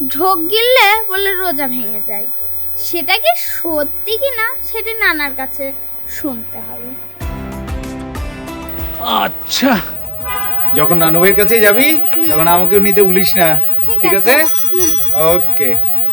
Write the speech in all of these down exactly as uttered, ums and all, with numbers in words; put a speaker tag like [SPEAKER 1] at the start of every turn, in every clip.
[SPEAKER 1] ঢোক গিললে বলে রোজা ভেঙে যায়, সেটা কি সত্যি কিনা সেটা নানার কাছে শুনতে হবে।
[SPEAKER 2] আচ্ছা, যখন নানু ভাইয়ের কাছে যাবি তখন আমাকেও নিতে ভুলিস না, ঠিক আছে? ওকে।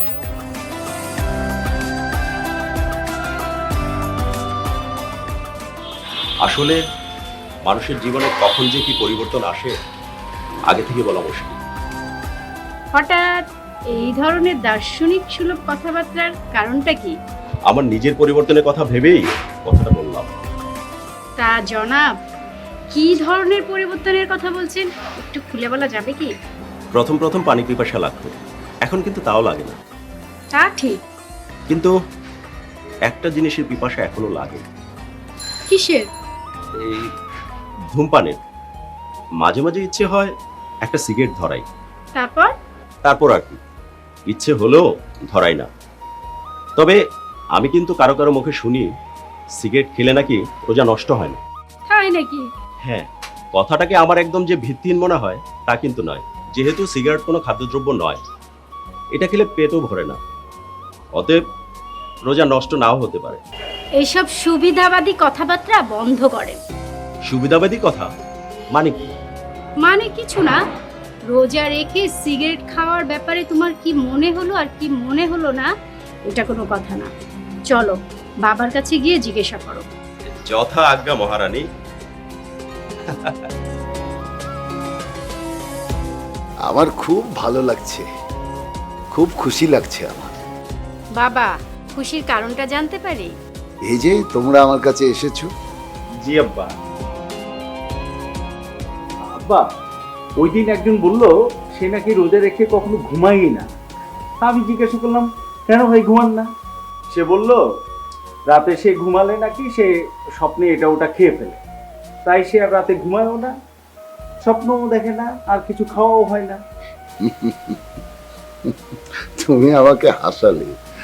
[SPEAKER 3] আসলে মানুষের জীবনে কখন যে কি পরিবর্তন আসে আগে থেকে বলা মুশকিল।
[SPEAKER 4] হঠাৎ এই ধরনের দার্শনিক সুলভ কথাবার্তার কারণটা কি?
[SPEAKER 3] আমার নিজের পরিবর্তনের কথা ভেবেই কথাটা বললাম।
[SPEAKER 4] তা জনাব, কি ধরনের পরিবর্তনের কথা বলছেন একটু খুলে বলা যাবে কি?
[SPEAKER 3] প্রথম প্রথম পানি পিপাসা লাগতো, এখন কিন্তু তাও লাগে না।
[SPEAKER 4] তা ঠিক,
[SPEAKER 3] কিন্তু একটা জিনিসের পিপাসা এখনো লাগে।
[SPEAKER 4] কিসের?
[SPEAKER 3] এই ধূমপানের। মাঝে মাঝে ইচ্ছে হয় একটা সিগারেট ধরাই,
[SPEAKER 4] তারপর
[SPEAKER 3] তারপর আর কি ইচ্ছে হলেও ধরাই না। তবে আমি কিন্তু কারো কারো মুখে শুনি সিগারেট খেলে নাকি রোজা নষ্ট হয় না।
[SPEAKER 4] তাই নাকি?
[SPEAKER 3] হ্যাঁ, কথাটাকে আমার একদম যে ভিত্তিহীন মনে হয় তা কিন্তু নয়। যেহেতু সিগারেট কোনো খাদ্যদ্রব্য নয়, এটা খেলে পেটও ভরে না, অতএব রোজা নষ্ট নাও হতে পারে।
[SPEAKER 4] এইসব সুবিধাবাদী কথাবার্তা বন্ধ করেন।
[SPEAKER 3] সুবিধাবাদী কথা মানে কি?
[SPEAKER 4] মানে কিছু না, রোজা রেখে সিগারেট খাওয়ার ব্যাপারে তোমার কি মনে হলো আর কি মনে হলো না এটা কোনো কথা না। চলো বাবার কাছে গিয়ে জিজ্ঞাসা করো।
[SPEAKER 3] যথা আজ্ঞা মহারানী।
[SPEAKER 5] আমার খুব ভালো লাগছে, খুব খুশি লাগছে আমার।
[SPEAKER 4] বাবা, খুশির কারণটা জানতে পারি?
[SPEAKER 5] এই যে তোমরা আমার কাছে এসেছো।
[SPEAKER 2] জি আব্বা। আব্বা, ওই দিন একজন বলল সে নাকি রোজা রেখে কখনো ঘুমায়ই না। আমি জিজ্ঞাসা করলাম কেন ভাই ঘুমান না? সে বলল রাতে সে ঘুমালে নাকি সে স্বপ্নে এটা ওটা খেয়ে ফেলে, তাই সে আর রাতে ঘুমায়ও না, স্বপ্নও দেখে না, আর কিছু খাওয়াও হয় না।
[SPEAKER 5] তুমি আমাকে হাসালে।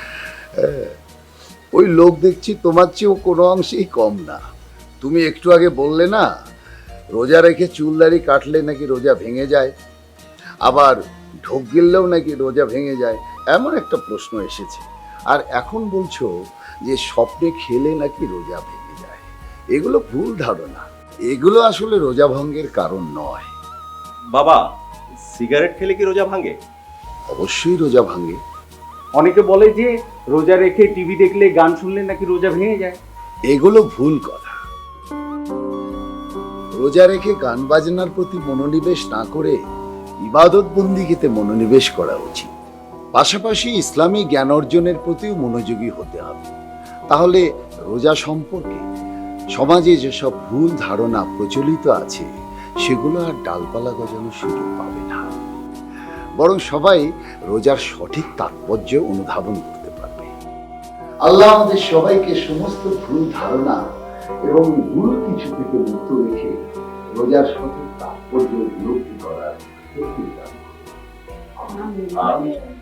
[SPEAKER 5] ওই লোক দেখছি তোমার চেয়েও কোনো অংশেই কম না। তুমি একটু আগে বললে না রোজা রেখে চুলদাড়ি কাটলে নাকি রোজা ভেঙে যায়, আবার ঢোক গিললেও নাকি রোজা ভেঙে যায়, এমন একটা প্রশ্ন এসেছে। আর এখন বলছো যে স্বপ্নে খেলে নাকি রোজা ভেঙে যায়। এগুলো ভুল ধারণা, এগুলো আসলে রোজা ভঙ্গের কারণ নয়।
[SPEAKER 3] বাবা, সিগারেট খেলে কি রোজা ভাঙে?
[SPEAKER 5] অবশ্যই রোজা ভাঙে।
[SPEAKER 2] অনেকে বলে যে রোজা রেখে টিভি দেখলে গান শুনলে নাকি রোজা ভেঙে যায়।
[SPEAKER 5] এগুলো ভুল কথা। রোজা রেখে গান বাজনার প্রতি মনোনিবেশ না করে ইবাদত বন্দিগিতে মনোনিবেশ করা উচিত। পাশাপাশি ইসলামী জ্ঞান অর্জনের প্রতিও মনোযোগী হতে হবে। তাহলে রোজা সম্পর্কে সমাজে যেসব ভুল ধারণা প্রচলিত আছে সেগুলো আর ডালপালা গজানোর সুযোগ পাবে না, বরং সবাই রোজার সঠিক তাৎপর্য অনুধাবন করতে পারবে। আল্লাহ আমাদের সবাইকে সমস্ত ভুল ধারণা এবং ভুল কিছু থেকে মুক্ত রেখে রোজার সঠিক তাৎপর্য উপলব্ধি করার শক্তি দান করুন। আমিন।